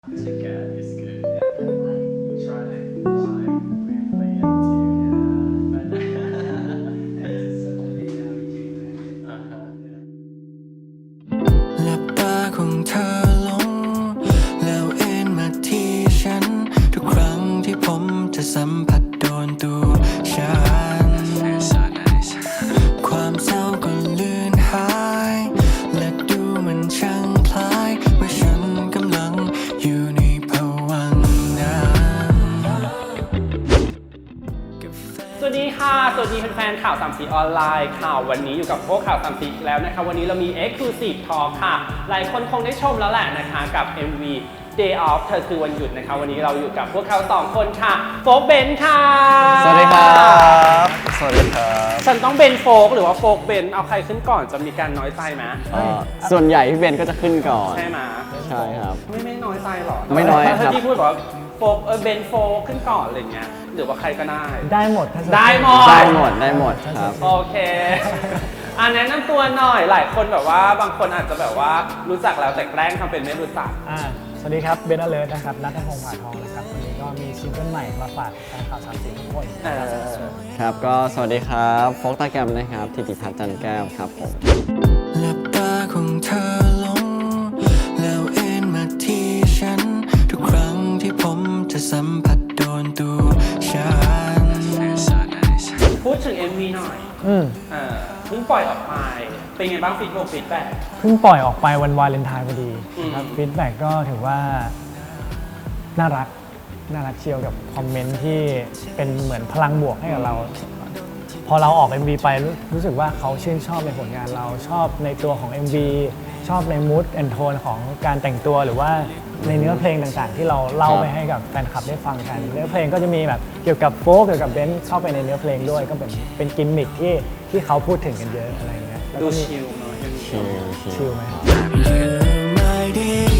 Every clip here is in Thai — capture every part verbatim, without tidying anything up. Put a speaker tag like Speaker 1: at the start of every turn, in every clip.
Speaker 1: It's good. It's good. Yeah. We try to like weirdly into yeah, but it's such a big navigation. Uh huh. Yeah.
Speaker 2: หลับตาของเธอลงแล้วเอ็นมาที่ฉันทุกครั้งที่ผมจะสัมผัสโดนตัวฉันความเศร้าก็เลือนหายและดูมันช่างคล้ายว่าฉันกำลังอยู่ในภวังค์นั้น
Speaker 3: สวัสดีค่ะสวัสดีแฟนๆข่าวสามสีออนไลน์ข่าววันนี้อยู่กับพวกข่าวสามสีอีกแล้วนะคะวันนี้เรามี Exclusive Talk ค่ะหลายคนคงได้ชมแล้วแหละนะคะกับ เอ็ม วี Day Off เธอคือวันหยุดนะคะวันนี้เราอยู่กับพวกเขาสองคนค่ะโฟกเบนค่ะ
Speaker 4: สวัสดีครับสวัสดีครับ
Speaker 3: ฉันต้องเบนโฟกหรือว่าโฟกเบนเอาใครขึ้นก่อนจะมีการน้อยใจไหม
Speaker 4: ส่วนใหญ่พี่เบนก็จะขึ้นก่อน
Speaker 3: ใช่ไหม
Speaker 4: ใช่ครับ
Speaker 3: ไม่ไม่น้อยใจหรอ
Speaker 4: ไม่น้อยครับ
Speaker 3: ถ้าที่พูดบอกว่าโฟกเออเบนโฟกขึ้นก่อนอะไรเงี้ยหรือว่าใครก็ได้
Speaker 5: ได้หมด
Speaker 3: ได้หมด
Speaker 4: ได้หมดได้หมดครับ
Speaker 3: โอเค อันแนะนำตัวหน่อย หลายคนแบบว่าบางคนอาจจะแบบว่ารู้จักแล้วแต่แกล้งทำเป็นไม่รู้จัก
Speaker 5: อ่าสวัสดีครับเบนเลิร์นะครับนัทพงษ์ผาทองนะครับวันนี้ก็มีซิงเกิลใหม่มาฝากแฟนข่าวสามสีทุกคน
Speaker 3: เออ
Speaker 4: ครับก็สวัสดีครับโฟกตาแกรมนะครับธิติพัฒน์จันแก้วครับผม
Speaker 2: หลับตาของเธอลงแล้วเอ็นมาที่ฉันทุกครั้งที่ผมจะสัมผัสโดนตัวฉัน
Speaker 3: พูดถึง เอ็ม วี หน่อย
Speaker 5: อืม
Speaker 3: เออเพิ่งปล่อยออกไป เป็นไงบ้างฟีดแบ็กฟีดแบ็ก
Speaker 5: เพิ่งปล่อยออกไปวันวาเลนไทน์พอดี
Speaker 3: อืม
Speaker 5: ครับฟีดแบ็กก็ถือว่าน่ารักน่ารักเชียวกับคอมเมนต์ที่เป็นเหมือนพลังบวกให้กับเรา พอเราออก เอ็ม วี ไปรู้รู้สึกว่าเขาชื่นชอบในผลงานเราชอบในตัวของ เอ็ม วี ชอบในมูดแอนโทนของการแต่งตัวหรือว่าในเนื้อเพลงต่างๆ ที่เราเล่าไปให้กับแฟนคลับได้ฟังกันเนื้อเพลงก็จะมีแบบเกี่ยวกับโฟกเกี่ยวกับเบนซ์เข้าไปในเนื้อเพลงด้วยก็เป็นเป็นกิมมิคที่ที่เขาพูดถึงกันเยอะอะไรอย่างเงี้ยแล้ว
Speaker 3: ดู
Speaker 5: ก็มี
Speaker 3: ชิลเนาะยัง
Speaker 4: ชิลชิล
Speaker 5: ชิลไหม
Speaker 2: My day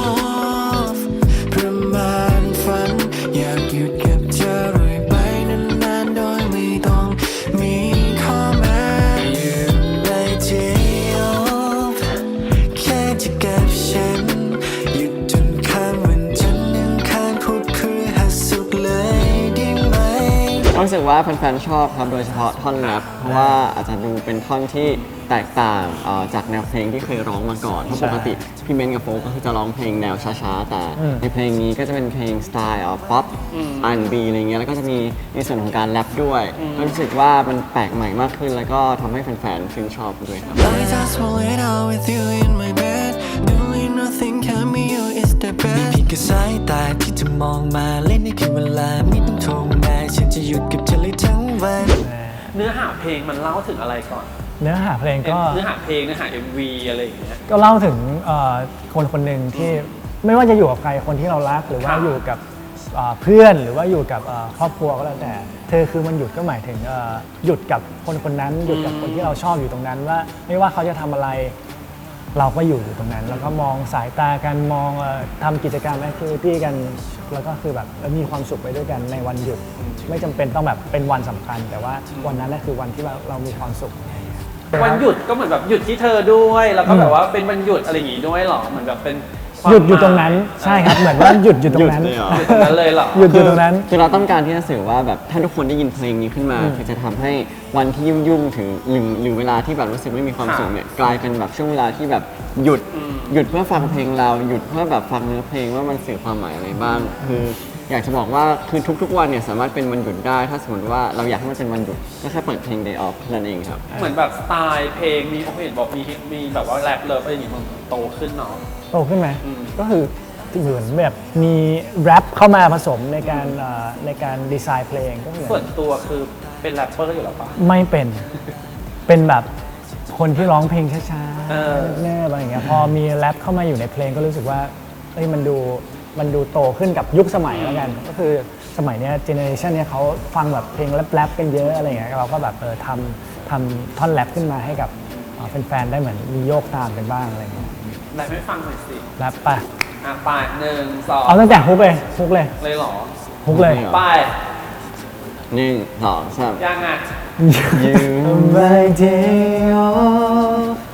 Speaker 2: off ประมาณฝันอยากหยุดกับเธอเรื่อยไปนานๆโดยไม่ต้องมีข้อแม้อยู่ใน day off แค่จะกับฉันหยุดจนข้ามวันจันทร์อังคารพุธพฤหัสศุกร์เลยได้ไหม
Speaker 4: รู้สึกว่าแฟนๆชอบครับโดยเฉพาะท่อนแรปเพราะว่าอาจจะดูเป็นท่อนที่แตกต่างเอ่อจากแนวเพลงที่เคยร้องมาก่อนเพราะปกติพี่เบนกับโฟกก็คือจะร้องเพลงแนวช้าๆแต่ในเพลงนี้ก็จะเป็นเพลงสไตล์ป๊อป อาร์ แอนด์ บี อะไรเงี้ยแล้วก็จะมีในส่วนของการแรปด้วยก็รู้สึกว่ามันแปลกใหม่มากขึ้นแล้วก็ทำให้แฟนๆชื่นชอบด้วยครับ
Speaker 2: I just want it all with you in my bed doing nothing can be you is the best มีเพียงแค่สายตาที่จะมองมาเล่นในคืนเวลาไม่ต้องโทรมาฉันจะหยุดกับเธอเลยทั้งวัน
Speaker 3: เนื้อหาเพลงมันเล่าถึงอะไรก่อน
Speaker 5: เนื้อหาเพลงก็
Speaker 3: เนื้อหาเพลงเนื้อหา เอ็ม วี อะไรอย่างเงี้ย
Speaker 5: ก็เล่าถึงเอ่อคนคนหนึ่งที่ไม่ว่าจะอยู่กับใครคนที่เรารักหรือว่า
Speaker 3: ครับ
Speaker 5: อยู่กับเอ่อเพื่อนหรือว่าอยู่กับเอ่อครอบครัวก็แล้วแต่เธอคือมันหยุดก็หมายถึงเอ่อหยุดกับคนคนนั้นหยุดกับคนที่เราชอบอยู่ตรงนั้นว่าไม่ว่าเขาจะทำอะไร เราก็อยู่อยู่ตรงนั้น แล้วก็มองสายตากันมองเอ่อทำกิจกรรมแอคทิวิตี้กันแล้วก็คือแบบเออมีความสุขไปด้วยกันในวันหยุด ไม่จำเป็นต้องแบบเป็นวันสำคัญ แต่ว่าวันนั้นน่ะคือวันที่เราเรามีความสุขอะไรอย่างเงี้ย
Speaker 3: วันหยุดก็เหมือนแบบหยุดที่เธอด้วย แล้วก็แบบว่าเป็นวันหยุดอะไรอย่างงี้ด้วยเหรอเหมือนแบบเป็นควา
Speaker 5: ห
Speaker 3: ม
Speaker 5: ยุดอยู่ตรงนั้น
Speaker 3: หม
Speaker 5: ใช่ครับเหมือนว่าหยุดอยู่ตรงนั้น
Speaker 4: หยุดเลยเหรอ
Speaker 3: หยุดตรงนั้นเลยเหรอ
Speaker 5: หยุดอยู่ตรงนั้น
Speaker 4: คือเราต้องการที่จะสื่อว่าแบบถ้าทุกคนได้ยินเพลงนี้ขึ้นมาคือจะทำให้วันที่ยุ่งๆถึงหรือหรือเวลาที่แบบรู้สึกไม่มีความสุขเนี่ยกลายเป็นแบบช่วงเวลาที่แบบหยุดหยุดเพื่อฟังเพลงเราหยุดเพื่อแบบฟังเนื้อเพลงว่ามันสื่อความหมายอะไรบ้าง คืออยากจะบอกว่าคือทุกๆวันเนี่ยสามารถเป็นวันหยุดได้ ถ้าสมมติว่าเราอยากให้มันเป็นวันหยุดก็แค่เปิดเพลง Day Off นั่นเองครับ
Speaker 3: เหมือนแบบสไตล์เพลงมีโอเห็นบอกมีมีแบบว่าแรปเลิฟอะไรอย่างงี้มันโตขึ้นเนาะ
Speaker 5: โตขึ้นไหม
Speaker 3: อืม
Speaker 5: ก็คือเหมือนแบบมีแรปเข้ามาผสมในการเอ่อในการดีไซน์เพลงก็เหมือน
Speaker 3: ส่วนตัวคือเป็นแรปเปอร์อยู่แล้วปะ
Speaker 5: ไม่เป็น เป็นแบบคนที่ร้องเพลงช้า
Speaker 3: เออ
Speaker 5: ๆแน่ๆอะไรอย่างเงี้ยพอมีแรปเข้ามาอยู่ในเพลงก็รู้สึกว่าเอ้ยมันดูมันดูโตขึ้นกับยุคสมัยแล้วกัน ก็คือสมัยเนี้ยเจเนอเรชันเนี้ยเขาฟังแบบเพลงแรปๆกันเยอะอะไรอย่างเงี้ยเราก็แบบเออทำทำท่อนแรปขึ้นมาให้กับเอ่อแฟนๆได้เหมือนมีโยกตามกันบ้างอะไรอย่างเงี้ย
Speaker 3: แรปให้ฟังหน่อยสิ
Speaker 5: แรปไป
Speaker 3: อ่ะไปหนึ่งสอง
Speaker 5: เอาตั้งแต่ฮุกเลยฮุกเลย
Speaker 3: เลยเหรอ
Speaker 5: ฮุกเลย
Speaker 3: ไป
Speaker 4: หนึ่งสองสาม
Speaker 3: ยังไง
Speaker 4: You
Speaker 5: My day off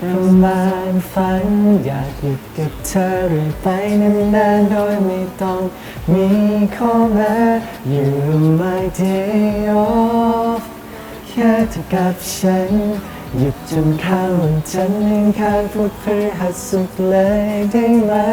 Speaker 5: ประมาณฝันอยากอยู่กับเธอเรื่อยไปนานๆโดยไม่ต้องมีข้อแม้ You're my day off แค่เธอกับฉันหยุดจนข้ามวันจันทร์อังคารพุธพฤหัสศุกร์เลยได้ไหม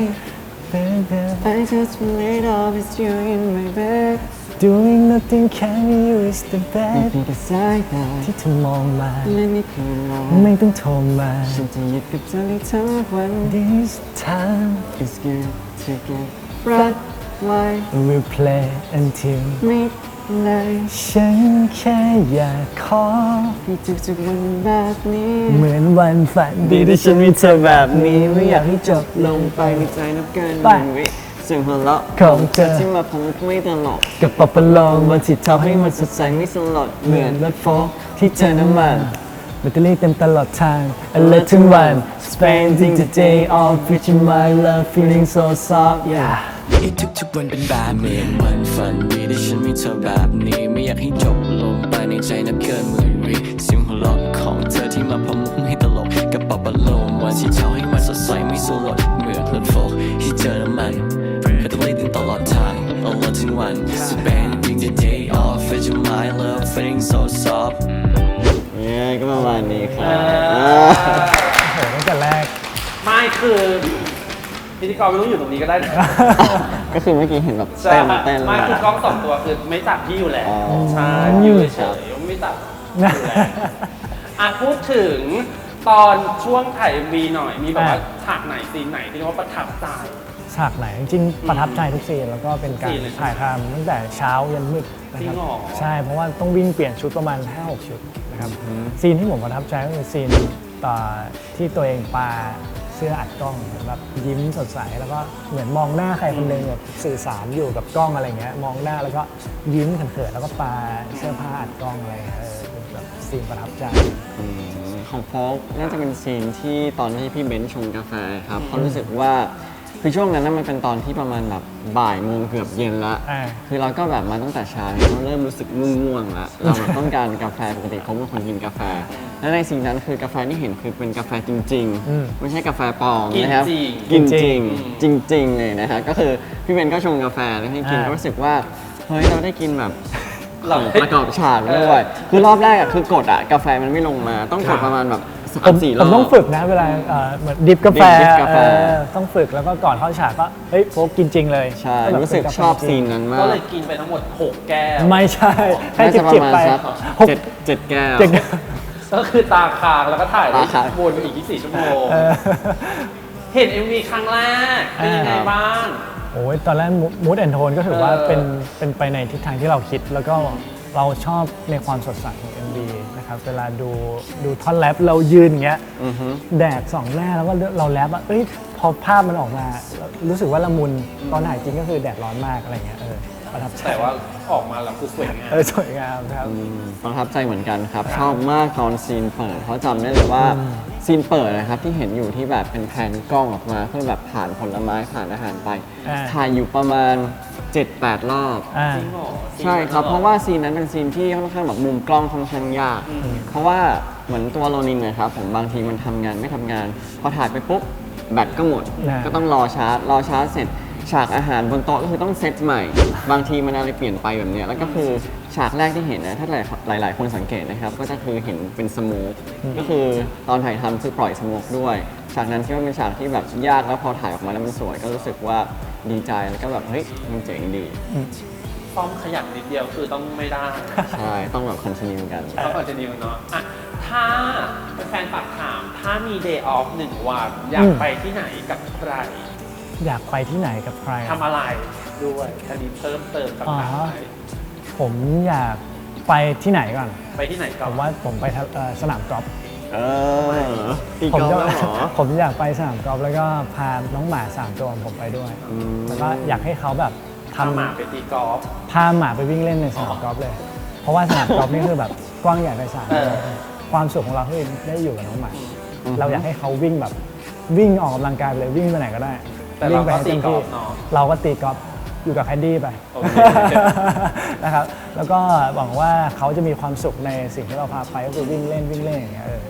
Speaker 5: Baby
Speaker 2: I just made of it's you in my bed
Speaker 5: Doing nothing can you is the
Speaker 2: ไม่
Speaker 5: best
Speaker 2: เพียงแค่สายตา
Speaker 5: ที่เธอมองมา
Speaker 2: และไม่เคยรอ
Speaker 5: ไม่ต้องโทรมา
Speaker 2: ฉันจะหยุดกับเธอได้ทั้งวัน
Speaker 5: This time
Speaker 2: It's good to get right why
Speaker 5: we'll play until
Speaker 2: midnight
Speaker 5: ฉันแค่อยากขอ
Speaker 2: ให้ทุกๆวันแบบนี้
Speaker 5: เหมือนวันฝันดีที่ฉันมีเธอแบบนี้ไม่อยากให้จบลง
Speaker 2: ไปในใจนับเกินห
Speaker 5: ไป
Speaker 2: นึ่งวิเสียงหัวเราะ
Speaker 5: ของเธอ
Speaker 2: ที่มาพงไม่ตลก
Speaker 5: กับปะปะลองวันที่ทำให้มันสดใส
Speaker 2: ใจไม่สลด
Speaker 5: เหมือนรถโฟล์คที่เจอน้ำมันแบตเตอรี่เต็มตลอดทาง alert ทั้งวัน spending the day off with you my love feeling so soft yeah
Speaker 2: ให้ทุกๆวันเป็นแบบเหมือนวันฝันดีที่ฉันมีเธอแบบนี้ไม่อยากให้จบลงไปในใจนับเกินหมื่นวิเสียงหัวเราะของเธอที่มาพมุกให้ตลกกับปะปะโลมวันที่เช้าให้มันสดใสไม่สลดเหมือนรถโฟล์คที่เจอน้ำมันแบตเตอรี่เต็มตลอดทาง alert ทั้งวัน spending the day off with you my love feeling so soft เนี่ยก็ประมาณนี้ครับ
Speaker 5: โอ้โหตั้งแต่แรก
Speaker 3: ไม่คือพิธีกรไม่ต้องอยู่ตรงนี้ก็ได้นะ
Speaker 4: ก็คือเมื่อกี้เห็นแบบ
Speaker 3: ใช่
Speaker 4: เต้นเต้น
Speaker 3: ไม่คือกล้องสองตัวคือไม่ตัดพี่อยู่แล้ว
Speaker 4: อ๋อ
Speaker 3: ใช่อยู่เฉยๆไม่ตัดอยู่แล้วอ่ะพูดถึงตอนช่วงถ่าย เอ็ม วี หน่อยมีแบบว่าฉากไหนซีนไหนที่เรียกว่าประทับใจ
Speaker 5: ฉากไหนจริงๆประทับใจทุกซีนแล้วก็เป็นการ
Speaker 3: ซีนเลยใช่ไหม
Speaker 5: ถ่ายทำตั้งแต่เช้ายันมืดนะค
Speaker 3: จริ
Speaker 5: รับ
Speaker 3: งเหรอ
Speaker 5: ใช่เพราะว่าต้องวิ่งเปลี่ยนชุดประมาณ ห้าหก ชุดนะครับซีนที่ผมประทับใจก็คือซีนต่อที่ตัวเองปาเสื้ออัดกล้องเหมือนแบบยิ้มสดใสแล้วก็เหมือนมองหน้าใครคนหนึ่งแบบสื่อสารอยู่กับกล้องอะไรเงี้ยมองหน้าแล้วก็ยิ้มเขินๆแล้วก็ปาเสื้อผ้าอัดกล้องอะไรเงี้ยเออเป็นแบบซีนประทับใจ
Speaker 4: อืมของโฟกน่าจะเป็นซีนที่ตอนที่พี่เบนซ์ชงกาแฟครับเขาะรู้สึกว่าคือช่วงนั้นนะมันเป็นตอนที่ประมาณแบบบ่ายโมงเกือบเย็นละ
Speaker 5: อ่า
Speaker 4: คือเราก็แบบมาตั้งแต่เช้าเราเริ่มรู้สึกง่วงๆแล้วเราแบบต้องการกาแฟปกติเขาเป็นคนกินกาแฟ และในสิ่งนั้นคือกาแฟที่เห็นคือเป็นกาแฟจริง
Speaker 5: อืม
Speaker 4: ๆ ไม่ใช่กาแฟปลอมนะครับ
Speaker 3: กินจริง
Speaker 4: กินจริงจริง ๆ เลยนะฮะก็คือพี่เบนซ์ก็ชงกาแฟแล้วให้กิน
Speaker 5: อ่า
Speaker 4: ก็รู้สึกว่าเฮ้ยเราได้กินแบบ
Speaker 3: เรา
Speaker 4: ของประกอบฉากด้วยคือรอบแรกอะคือกดอะกาแฟมันไม่ลงมาต้องกดประมาณแบบสา
Speaker 5: ผม ม
Speaker 4: สี่ร
Speaker 5: ผ
Speaker 4: อบ
Speaker 5: มต้องฝึกนะเวลาเอ่อเหมือนดิฟกาแฟ
Speaker 4: ดิฟกาแฟ
Speaker 5: เออต้องฝึกแล้วก็ก่อนเข้าฉากก็เฮ้ยโฟกกินจริงเลย
Speaker 4: ใช่
Speaker 5: แบบ
Speaker 4: รู้สึก
Speaker 5: เป็นาแฟ
Speaker 4: ชอบ
Speaker 5: จริง
Speaker 4: ซีนนั้นมา
Speaker 3: ก็
Speaker 4: ก
Speaker 3: เลยกินไปทั้งหมดหกแก้ว
Speaker 5: ไม่ใช่ให้
Speaker 4: น่า
Speaker 5: จิ
Speaker 4: จะ
Speaker 5: บ
Speaker 4: ประ
Speaker 5: จิบ
Speaker 4: มาณ
Speaker 5: ไป
Speaker 4: สัก
Speaker 5: หก
Speaker 4: เจ็ดเจ็ดแก้ว
Speaker 5: เจ็ด
Speaker 3: ก็คือตาค้างแล้วก็ถ่าย
Speaker 4: ตาค้าง
Speaker 3: วนอีกยี่สิบสี่ชั่วโมง
Speaker 5: เออ
Speaker 3: เห็น เอ็ม วี ครั้งแรกเป็นยังไง
Speaker 5: อ่า
Speaker 3: บ้าง
Speaker 5: โอ้ยตอนแรกมูดแอนโทนก็ถือว่า
Speaker 3: เออ
Speaker 5: เป็นเป็นไปในทิศทางที่เราคิด แล้วก็เราชอบในความสดใสของ เอ็ม วี นะครับเวลาดูดูท่อนแรปเรายืนอย่างเงี้ย
Speaker 4: อือฮึ
Speaker 5: แดดส่องหน้าแล้วก็เราแรปอ่ะเอ้ยพอภาพมันออกมารู้สึกว่าละมุนตอนถ่ายจริงก็คือแดดร้อนมากอะไรเงี้ยเออประทับใจ
Speaker 3: แต่ว่าออกมาแล้วคือสวยงาม
Speaker 5: เออสวยงามครับ
Speaker 4: อืมประทับใจเหมือนกันครับ ชอบมากตอนซีนเปิดเพราะจำได้เลยว่าซีนเปิดนะครับที่เห็นอยู่ที่แบบเป็นแผนกล้องออกมาเพื่อแบบผ่านผลไม้ผ่านอาหารไป
Speaker 5: อ่า
Speaker 4: ถ่ายอยู่ประมาณ เจ็ดแปด รอบ
Speaker 5: อ่า
Speaker 3: จริงเหรอ
Speaker 4: ใช่ครับ เพราะว่าซีนนั้นเป็นซีนที่ค่อนข้างแบบมุมกล้องค่อนข้างยาก เพราะว่าเหมือนตัวโรนินนะครับผมบางทีมันทำงานไม่ทำงาน พอถ่ายไปปุ๊บแบตก็หมด
Speaker 5: นะ
Speaker 4: ก็ต้องรอชาร์จ รอชาร์จเสร็จ ฉากอาหารบนโต๊ะก็คือต้องเซตใหม่ บางทีมันอะไรเปลี่ยนไปแบบเนี้ยแล้วก็คือฉากแรกที่เห็นนะถ้าหลายหลาย ๆ คนสังเกตนะครับ ก็จะคือเห็นเป็นสโมกก็คือตอนถ่ายทำคือปล่อยสโมกด้วย ฉากนั้นคิดว่าเป็นฉากที่แบบยากแล้วพอถ่ายออกมาแล้วมันสวย ก็รู้สึกว่าดีใจแล้วก็แบบเฮ้ยมันเจ๋งดี
Speaker 3: ซ่อมขยับนิดเดียวคือต้องไม่ได้
Speaker 4: ใช่ต้องแบบคอนติเนียกัน
Speaker 3: ต้องคอนติเนียเนาะอ่ะถ้าแฟนฝากถามถ้ามี day off หนึ่งวันอยากไปที่ไหนกับใคร
Speaker 5: อยากไปที่ไหนกับใคร
Speaker 3: ทำอะไรด้วยอันนี้เพิ่มเติมคำถาม
Speaker 5: อ๋อ
Speaker 3: ไหม
Speaker 5: ผมอยากไปที่ไหนก่อน
Speaker 3: ไปที่ไหนก่
Speaker 5: ผ
Speaker 3: อน
Speaker 5: มว่าผมไปทะเอ่อสนามกอล์ฟ
Speaker 4: เออตี
Speaker 5: ผม
Speaker 4: กอล์ฟ
Speaker 5: จะ
Speaker 4: แล้วเหรอ
Speaker 5: ผมอยากไปสนามกอล์ฟแล้วก็พาน้องหมาสามตัวของผมไปด้วย
Speaker 4: อืม
Speaker 5: แล้วก็อยากให้เขาแบบ
Speaker 3: ทำหมา
Speaker 5: ทำ
Speaker 3: ไปตีกอล์ฟ
Speaker 5: พาหมาไปวิ่งเล่นในสนามกอล์ฟเลย เพราะว่าสนามกอล์ฟนี่คือแบบกว้างใหญ่ไพศาล
Speaker 3: เออ
Speaker 5: ความสุขของเราคือได้อยู่กับน้องหมา เราอยากให้เขาวิ่งแบบวิ่งออกกำลังกายไปเลยวิ่งไปไหนก็ได้
Speaker 3: แต่
Speaker 5: วิ่
Speaker 3: เรา
Speaker 5: งไป
Speaker 3: ก็
Speaker 5: ให้
Speaker 3: ตี
Speaker 5: เต็ม
Speaker 3: กอ
Speaker 5: ที่
Speaker 3: ล์ฟเนาะ
Speaker 5: เราก็ตีกอล์ฟอยู่กับแคดดี้ไป
Speaker 3: โอเค
Speaker 5: นะครับ แล้วก็หวังว่าเขาจะมีความสุขในสิ่งที่เราพาไปก็คือวิ่งเล่นวิ่งเล่นอย่างเงี้ยเออผม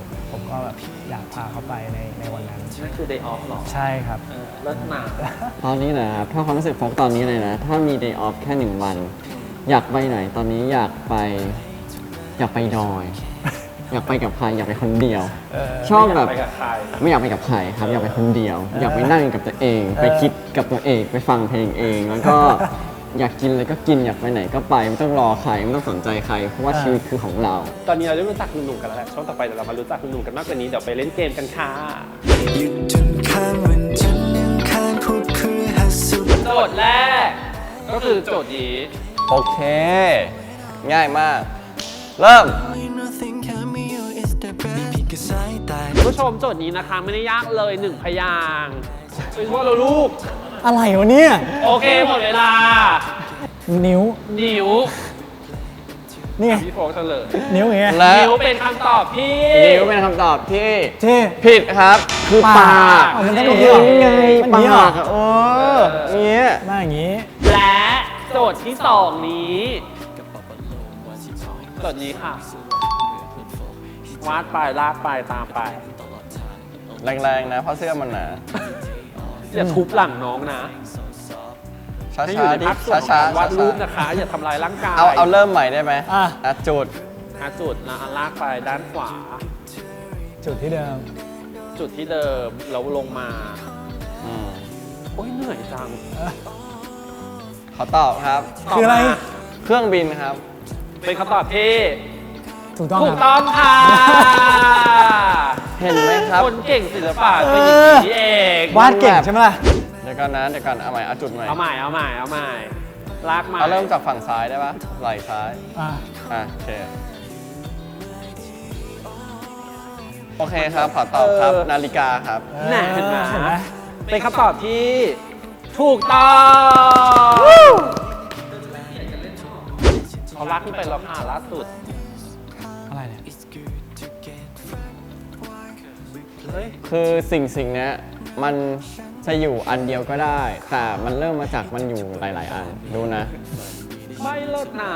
Speaker 5: ก็แบบอยากพาเขาไปในในวันนั้น
Speaker 3: นั่นคือ day off หรอ
Speaker 5: ใช่ครับ
Speaker 3: เออเลิศหนา
Speaker 4: ตอนนี้นะครับถ้าความรู้สึกโฟกตอนนี้เลยนะ ถ้ามี day off แค่หนึ่งวัน อยากไปไหนตอนนี้อยากไป อยากไปดอย อยากไปกับใครอยากไปคนเดียว ชอบแบบ
Speaker 3: ไปกับใคร
Speaker 4: ไม่อยากไปกับใครครับ อยากไปคนเดียว อยากไปนั่งกับตัวเอง ไปคิดกับตัวเองไปฟังเพลงเอง แล้วก็ อยากกินอะไรก็กินอยากไปไหนก็ไปไม่ต้องรอใครไม่ต้องสนใจใคร เพราะว่าชีวิตคือของเรา
Speaker 3: ตอนนี้เราได้รู้จักหนุ่มๆกันแล้วแหละช่วงต่อไปเดี๋ยวเรามารู้จักหนุ่มๆกันมากกว่านี้เดี๋ยวไปเล่นเกมกันค่ะ
Speaker 2: หยุดจนข้ามวันจันทร์ยังข้ามพุธพฤหัสศุกร์
Speaker 3: โจทย์แรก ก็คือโจทย์นี้
Speaker 4: โอเค ง่ายมาก เริ่ม
Speaker 2: Nothing can be you is the best มีเพียงแค่สายตา
Speaker 3: ผู้ชมโจทย์นี้นะคะไม่ได้ยากเลยหนึ่งพยางค์เป็นว่าเราลูก
Speaker 5: อะไรวะเนี่ย
Speaker 3: โอเคหมดเวลา
Speaker 5: นิ้ว
Speaker 3: นิ้ว
Speaker 5: นี่ไง
Speaker 3: พี่โฟกเฉลย
Speaker 5: นิ้วอย่างเงี้ย
Speaker 4: และ
Speaker 3: นิ้วเป็นคำตอบที่
Speaker 4: นิ้วเป็นคำตอบที่
Speaker 5: เท่
Speaker 4: ผิดครับ คือปาก
Speaker 5: อ๋อมันต้อง
Speaker 4: ก็
Speaker 5: อย่างนี้
Speaker 4: คือ
Speaker 5: เหรอ
Speaker 4: ไง
Speaker 5: มัน
Speaker 4: ป
Speaker 5: อย่างนี้เหรอ
Speaker 4: ากอะเอออย่างเงี้ย
Speaker 5: หน้าอย่างงี้
Speaker 3: และโจทย์ที่สองนี้โจทย์นี้ค่ะ วาดไปลากไปตามไป
Speaker 4: แรงๆนะเพราะเสื้อมันหนา
Speaker 3: อย่าทุบหลังน้องนะ
Speaker 4: ช้า
Speaker 3: ให้อยู่ใน
Speaker 4: ๆดิ
Speaker 3: ภาคส่วนของ
Speaker 4: ช้า
Speaker 3: การ
Speaker 4: ๆ
Speaker 3: วาดรูป
Speaker 4: ช้า
Speaker 3: นะคะ อย่าทำลายร่างกาย
Speaker 4: ๆเอาเอาเริ่มใหม่ได้ไหม
Speaker 5: อ่ะ
Speaker 4: อ่ะจุด
Speaker 3: หาจุดนะลากไปด้านขวา
Speaker 5: จุดที่เดิม
Speaker 3: จุดที่เดิมแล้วลงมา
Speaker 4: อืม
Speaker 3: โอ้ยเหนื่อยจัง
Speaker 4: ขอตอบครับ
Speaker 5: คืออะไร
Speaker 3: ตบมา
Speaker 4: เครื่องบินครับ
Speaker 3: เป็นคำตอบที่
Speaker 5: ถูกต้อง
Speaker 3: ถู
Speaker 5: ค
Speaker 3: ก
Speaker 5: รับ
Speaker 3: ต้องค่ะ
Speaker 4: เห็นไหมครับ
Speaker 3: คนเก่งศิลปะเป็นอย่างนี้เอง
Speaker 5: วาดเก่งใช่ไหมล่ะ
Speaker 4: เดี๋ยวก่อนนะเดี๋ยวก่อนเอาใหม่เอาจุดใหม่
Speaker 3: เอาใหม่เอาใหม่เอาใหม่ลากมา
Speaker 4: เอาเริ่มจากฝั่งซ้ายได้ปะไหล่ซ้าย
Speaker 5: อ่ะ
Speaker 4: อ่ะโอเคโอเคครับขอตอบครับนาฬิกาครับ
Speaker 3: แน่เห็นไหม
Speaker 5: เห็นไหม
Speaker 3: เป็นคำตอบที่ถูกต้องเขาลากขึ้นไปแล้วค่ะล่าสุด
Speaker 5: อะไรเนี่ย
Speaker 3: เฮ้ย
Speaker 4: คือสิ่งสิ่งเนี้ยมันจะอยู่อันเดียวก็ได้ แต่มันเริ่มมาจากมันอยู่หลาย ๆ อันดูนะ
Speaker 3: ไม่เลิศนะ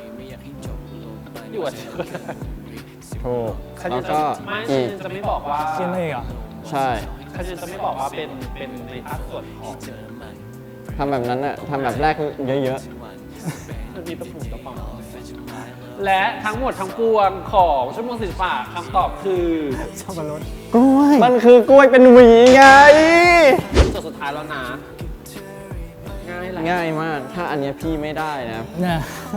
Speaker 3: อยู่อันเดียวกัน
Speaker 4: ถูก
Speaker 3: คัน
Speaker 4: แล้
Speaker 3: ยั
Speaker 4: วน
Speaker 3: จะ
Speaker 4: ก็
Speaker 3: ไม่
Speaker 4: อี
Speaker 3: คัน
Speaker 4: ก
Speaker 3: ยันจะไม่บอกว่า
Speaker 5: คิดไม่อีกเหรอ
Speaker 4: ใช่
Speaker 3: คันยันจะไม่บอกว่าเป็นเป็นในภาคส่วนของ
Speaker 4: ทำแบบนั้นอะทำแบบแรกเยอะ
Speaker 3: มันมีตะปุ่มตะปอมและทั้งหมดทั้งปวงของชั่วโมงศิลปะคำตอบคือ
Speaker 5: สับปะรด
Speaker 4: ๆกล้วยมันคือกล้วยเป็นหวีไง
Speaker 3: โจทย์สุดท้ายแล้วนะ ง่ายแหละ
Speaker 4: ง่ายมาก ถ้าอันเนี้ยพี่ไม่ได้นะ
Speaker 5: เนี่ย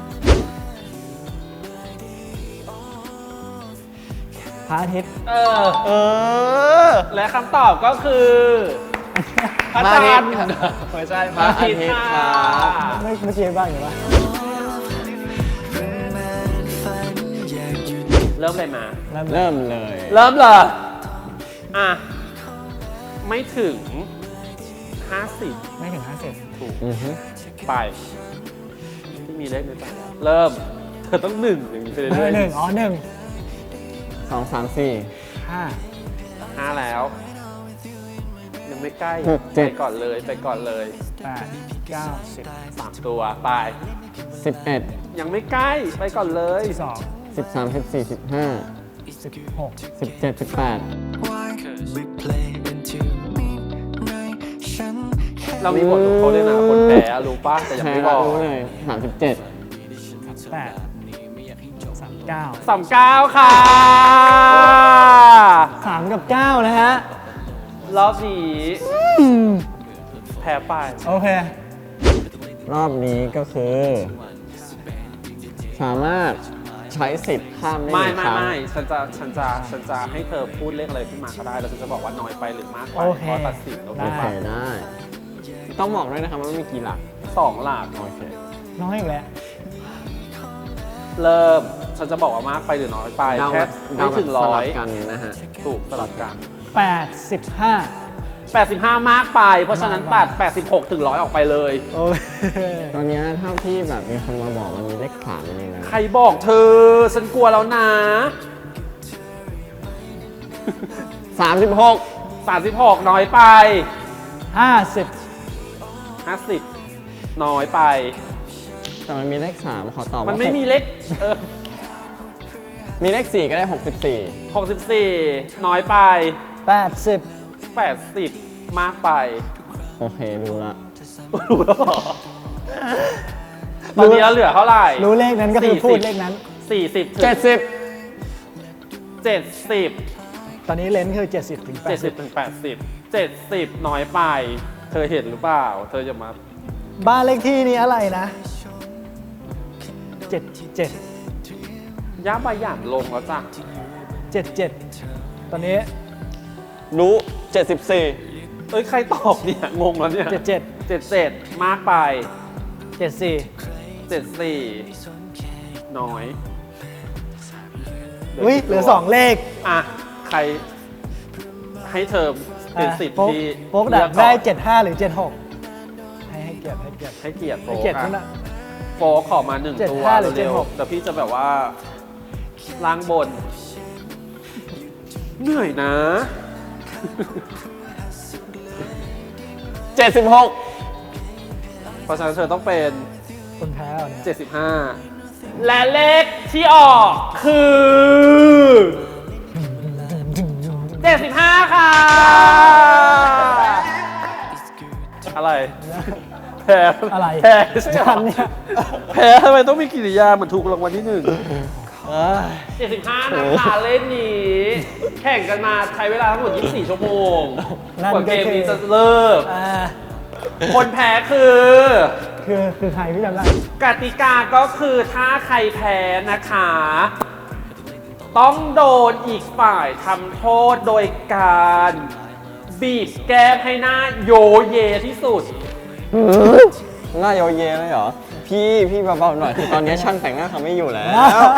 Speaker 5: พระอาทิตย์
Speaker 3: เออ
Speaker 4: เออ
Speaker 3: และคำตอบก็คือพระจันทร์
Speaker 4: ไม่ใช่พระอาทิตย์ครับ
Speaker 5: ไม่เมื่อกี้บ้างอยู่ปะ
Speaker 3: เริ่มเลยมา
Speaker 5: เริ่ม
Speaker 4: เริ่มเลย
Speaker 3: เริ่มเลยอ่ะ ไม่ถึง ห้าสิบ
Speaker 5: ไม่ถึงห้าสิบ
Speaker 3: ถูก
Speaker 4: อือฮึ
Speaker 3: ไปที่มีเลขในใจเริ่ม เธอต้องหนึ่งอย่างนี้ไปเรื่
Speaker 5: เออ
Speaker 3: อย
Speaker 5: หนึ่งอ๋อหนึ่ง
Speaker 4: สองสามสี่
Speaker 5: ห้า
Speaker 3: ๆห้าแล้ว ยังไม่ใกล้
Speaker 4: หกเจ็ด
Speaker 3: ไปก่อนเลยไปก่อนเลย
Speaker 5: แปดเก้าสิบ
Speaker 3: สามตัวไป
Speaker 4: สิบเอ็ด
Speaker 3: ยังไม่ใกล้ไปก่อนเลย
Speaker 5: สอง
Speaker 4: สิบสามสิบสี่สิบห้า
Speaker 5: สิบหก
Speaker 4: สิบเจ็ดสิบแปด
Speaker 2: We play into midnight ฉันแค่
Speaker 3: เรามีบทลงโทษด้วยนะคนแพ้รู้ป่ะแต่ยัง
Speaker 4: แพ้
Speaker 3: ไม่บ
Speaker 4: ก็
Speaker 3: อก
Speaker 4: รู้เลยสามสิบเจ็ด
Speaker 5: แปดสามเก้า
Speaker 3: สามเก้าค่ะ
Speaker 5: สามกับเก้านะฮะ
Speaker 3: รอบนี้แพ้ไป
Speaker 5: โอเค
Speaker 4: รอบนี้ก็คือ สามารถใช้สิทธิ์ข้ามได้ห
Speaker 3: ไม่
Speaker 4: นึ่ง
Speaker 3: ไม่
Speaker 4: ครั้ง
Speaker 3: ไม่ฉันจะฉันจะฉันจะให้เธอพูดเลขอะไรขึ้นมาก็ได้ แล้วฉันจะบอกว่าน้อยไปหรือมากไป
Speaker 5: โอเค
Speaker 3: ข้อตัดสินโอเค
Speaker 5: ได้
Speaker 4: โอเคได้ ต้องบอกด้วยนะครับว่ามันมีกี่หลัก
Speaker 3: สองหลัก
Speaker 4: โอเค
Speaker 5: น้อยอีกแล้ว
Speaker 3: เริ่ม ฉันจะบอกว่ามากไปหรือน้อยไป
Speaker 4: เดา
Speaker 3: แค่
Speaker 4: เดา
Speaker 3: ไม่
Speaker 4: แบบ
Speaker 3: ถึง
Speaker 4: ส
Speaker 3: ร้อ
Speaker 4: ลั
Speaker 3: ย
Speaker 4: บกันนะฮะ
Speaker 3: ถูกสลับกัน
Speaker 5: แปดสิบห้า
Speaker 3: แปดสิบห้ามากไป เพราะฉะนั้นตัดแปดสิบหกถึงร้อยออกไปเลย
Speaker 5: โอเค
Speaker 4: ตอนเนี้ยเท่าที่แบบมีคนมาบอกมันมีเลขสามอยู่ในนั้น
Speaker 3: ใครบอกเธอ ฉันกลัวแล้วนะ
Speaker 4: สามสิบหก
Speaker 3: สามสิบหกน้อยไป
Speaker 5: ห้าสิบ
Speaker 3: ห้าสิบน้อยไป
Speaker 4: แต่มันมีเลขสามขอตอบว่า
Speaker 3: มันไม่
Speaker 4: หก
Speaker 3: มีเลขเออ
Speaker 4: มีเลขสี่ก็ได้หกสิบสี่
Speaker 3: หกสิบสี่น้อยไป
Speaker 5: แปดสิบ
Speaker 3: แปดสิบมากไป
Speaker 4: โอเครู้ละ
Speaker 3: รู้แล้วเหรอตอนนี้เราเหลือเท่าไหร่
Speaker 5: รู้เลขนั้นก็คือพูดเลขนั้น
Speaker 3: สี่สิบ
Speaker 4: เจ็ดสิบ
Speaker 3: เจ็ดสิบ
Speaker 5: ตอนนี้เลนส์คือเจ็ดสิบถึงแป
Speaker 3: เจ็ด
Speaker 5: ด
Speaker 3: สิ
Speaker 5: สิ
Speaker 3: บบ ถึงแปดสิบเจ็ดสิบน้อยไป เธอเห็นหรือเปล่า เธอจะมา
Speaker 5: บ้านเลขที่นี้อะไรนะเจ็ดเจ็ด
Speaker 3: ย่าบาหยานลงแล้วจ้ะ
Speaker 5: เจ็ดเจ็ดตอนนี้
Speaker 4: รู้เจ็ดสิบสี่
Speaker 3: เอ้ย ใครตอบเนี่ย งงแล้วเนี่ย
Speaker 5: เจ็ดเจ็ด
Speaker 3: เจ็ดเจ็ดมากไป
Speaker 5: เจ็ดสี่
Speaker 3: เจ็ดสี่น้อย
Speaker 5: อุ้ยเหลือสองเลข
Speaker 3: อ่ะ ใครให้เธอเป็นสิทธิ์
Speaker 5: โป๊ก
Speaker 3: ที่
Speaker 5: โป๊กดั
Speaker 3: เลื
Speaker 5: ก
Speaker 3: อ
Speaker 5: ได้
Speaker 3: ก่อน
Speaker 5: เจ็ดห้าหรือเจ็ดหกให้ให้เกียรติให้เกียรติ
Speaker 3: ให้เกียรติโฟ
Speaker 5: ให้
Speaker 3: ก
Speaker 5: เกียรติ
Speaker 3: อะ
Speaker 5: คุณอะ
Speaker 3: โฟกขอมาหนึ่ง
Speaker 5: เจ็ด
Speaker 3: ตัว
Speaker 5: ห้าหรือเจ็ด
Speaker 3: เร็ว
Speaker 5: หก
Speaker 3: ๆแต่พี่จะแบบว่าล่างบน เหนื่อยนะ
Speaker 4: เจ็ดสิบหก
Speaker 3: เพราะฉะนั้นเธอต้องเป็น
Speaker 5: คนแพ้เหรอเนี่ย
Speaker 3: เจ็ดสิบห้า และเลขที่ออกคือ เจ็ดสิบห้า ค่ะ อะไร แพ้
Speaker 5: อะไร
Speaker 3: แพ้
Speaker 5: ฉันเนี่ย
Speaker 3: แพ้ทำไมต้องมีกิริยาเหมือนถูกรางวัลที่หนึ่งเจ็ดสิบห้านะคะเล่นนี้ แข่งกันมาใช้เวลาทั้งหมดยี่สิบสี่ชั่วโมง
Speaker 5: นั่น
Speaker 3: กว่า
Speaker 5: ก็
Speaker 3: เกม
Speaker 5: คือ
Speaker 3: นี้จะเลิก
Speaker 5: อ่า
Speaker 3: คนแพ้คือ
Speaker 5: คือคือใครพี่จำได้
Speaker 3: กติกาก็คือถ้าใครแพ้นะคะ ต้องโดนอีกฝ่ายทำโทษโดยการบีบแก้มให้หน้าโยเยที่สุด
Speaker 4: หน้าโยเยเลยเหรอ พี่พี่เบาๆหน่อยคือตอนนี้ช่างแต่งหน้าเขาไม่อยู่แล้ว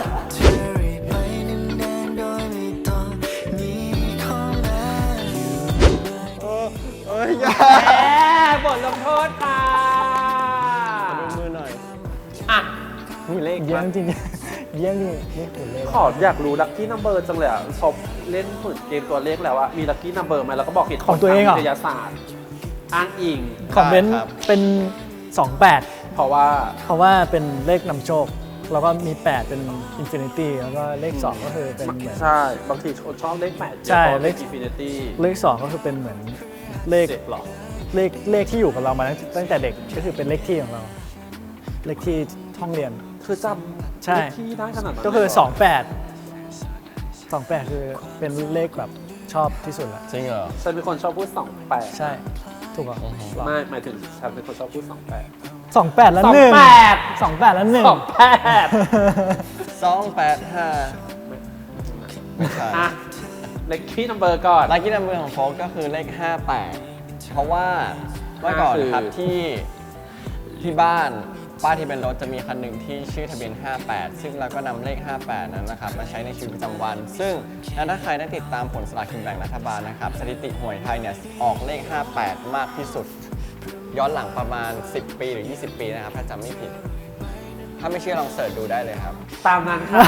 Speaker 4: เอ้ยอย่า
Speaker 3: แพ้บทลงโทษค่ะ
Speaker 4: ดูมือหน่อย
Speaker 3: อ่ะ
Speaker 4: มีเลข
Speaker 5: เยี่ย
Speaker 4: ปะ
Speaker 5: มจริงเยี่ยมจริงนี่ขุนเลย
Speaker 3: ขออยากรู้ลัคกี้นัมเบอร์จังเลยอ่ะพอเล่นเหมือนเกมตัวเลขแล้วอะมีลัคกี้นัมเบอร์ไหมแล้วก็บอกเหตุผล
Speaker 5: ของตัวเองเหรอ
Speaker 3: ทาวิทยาศาสตร์ อ้างอิง
Speaker 5: คอมเมนต์เป็นสองแปด
Speaker 3: เพราะว่า
Speaker 5: เพราะว่าเป็นเลขนำโชค แล้วก็มีแปดเป็นอินฟินิตี้แล้วก็เลขสองก็คือเป็นเหมือน
Speaker 3: ใช่ บางทีคนชอบเลขแปด
Speaker 5: ใช่
Speaker 3: เล
Speaker 5: เล
Speaker 3: ข
Speaker 5: ข
Speaker 3: อินฟินิตี้
Speaker 5: เลขสองก็คือเป็นเหมือนเลข
Speaker 3: เจ็ดหรอ
Speaker 5: เลขเลขที่อยู่กับเรามาตั้งตั้งแต่เด็กก็คือเป็นเลขที่ของเรา เลขที่ห้องเรียน
Speaker 3: คือจำ
Speaker 5: ใช่
Speaker 3: เลขที่ได้ขนาดนั้น
Speaker 5: ก็คือ
Speaker 3: เลยเหร
Speaker 5: สองแปด สองแปดคือเป็นเลขแบบชอบที่สุดละ
Speaker 4: จริงเหรอ
Speaker 3: ฉันเป็นคนชอบพูดสองแปด
Speaker 5: ใช่ถูกเหรอ
Speaker 3: ไม่หมายถึงฉันเป็นคนชอบพูดสองแปด
Speaker 5: สองแปดแล้วหนึ่ง
Speaker 3: สองแปด
Speaker 5: สองแปดแล้วหนึ่ง
Speaker 3: สองแปด
Speaker 4: สองแปดห้าไม่ใช่
Speaker 3: อ่ะเลขที่นัมเบอร์ก่อน
Speaker 4: ลัคกี้นัมเบอร์ของโฟกก็คือเลขห้าแปดเพราะว่าเมื่อก่อนนะครับ
Speaker 3: คือ
Speaker 4: ที่ที่บ้านป้ายที่เป็นรถจะมีคันหนึ่งที่ชื่อทะเบียนห้าแปดซึ่งเราก็นำเลขห้าแปดนั้นนะครับมาใช้ในชีวิตประจำวัน ซึ่งถ้าใครได้ติดตามผลสลากกินแบ่งรัฐบาลนะครับสถิติหวยไทยเนี่ยออกเลขห้าแปดมากที่สุด ย้อนหลังประมาณสิบปีหรือยี่สิบปีนะครับถ้าจำไม่ผิด ถ้าไม่เชื่อลองเสิร์ชดูได้เลยครับ
Speaker 3: ตามนั้นค่ะ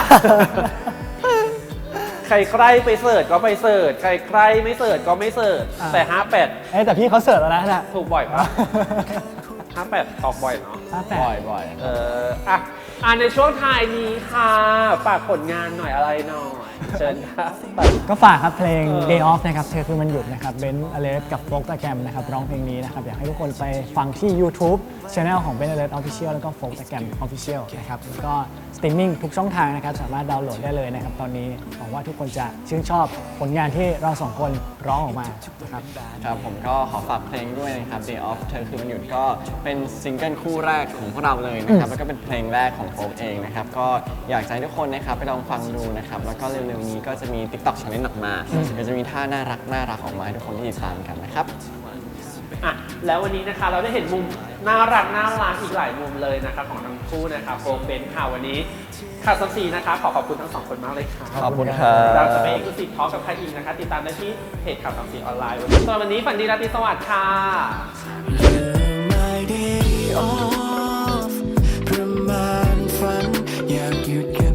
Speaker 3: ใครใครไปเสิร์ชก็ไปเสิร์ชใครใครไม่เสิร์ชก็ไม่เสิร์ช
Speaker 5: อ่า
Speaker 3: แต่ห้าแปด
Speaker 5: เอ้ยแต่พี่เขาเสิร์ฟแล้วนะน่ะ
Speaker 3: ถูกบ่อยปะ ห้าแปดออกบ่อยเนาะ
Speaker 5: ห้าแป
Speaker 4: บ่อย
Speaker 5: ด
Speaker 4: บ่อย
Speaker 3: เอออ่ะอ่ะในช่วงท้ายนี้ค่ะฝากผลงานหน่อยอะไรหน่อย เชิญค่ะ
Speaker 5: ก็ฝากครับเพลง
Speaker 3: เออ
Speaker 5: Day Off นะครับเธอคือมันหยุดนะครับเบนซ์อเลสกับโฟกตะแกรมนะครับร้องเพลงนี้นะครับอยากให้ทุกคนไปฟังที่ YouTube Channel ของเบนซ์อเลส Official แล้วก็โฟกตะแกรม Official นะครับแล้วก็สตรีมมิ่งทุกช่องทางนะครับสามารถดาวน์โหลดได้เลยนะครับตอนนี้หวังว่าทุกคนจะชื่นชอบผลงานที่เราสองคนร้องออกมานะครับ
Speaker 4: ครับผมก็ขอฝากเพลงด้วยนะครับ Day Off เธอคือมันหยุดก็เป็นซิงเกิลคู่แรกของพวกเราเลยนะครับแล้วก็เป็นเพลงแรกของโฟกเองนะครับก็อยากจะให้ทุกคนนะครับไปลองฟังดูนะครับแล้วก็เร็วๆนี้ก็จะมี TikTok Challenge ออกมาเดี๋ยวจะมีท่าน่ารักน่ารักออกมาให้ทุกคนได้ติดตามกันนะครับ
Speaker 3: อ่ะแล้ววันนี้นะคะเราได้เห็นมุมน่ารักน่ารักอีกหลายมุมเลยนะคะของทั้งคู่นะคะโฟกเบนค่ะวันนี้ข่าวสัมสีนะคะขอขอบคุณทั้งสองคนมากเลยค่ะ
Speaker 4: ขอบคุณครับ
Speaker 3: เราจะไปเอ็กซ์คลูซีฟทอล์กกับใครอีกนะคะ ติดตามได้ที่เพจข่าวสัมสีออนไลน์วันนี้สำหรับวันนี้ฝันดีราตรีสวัสดิ์ค่ะ
Speaker 2: My day off ประมาณฝันอยากหยุด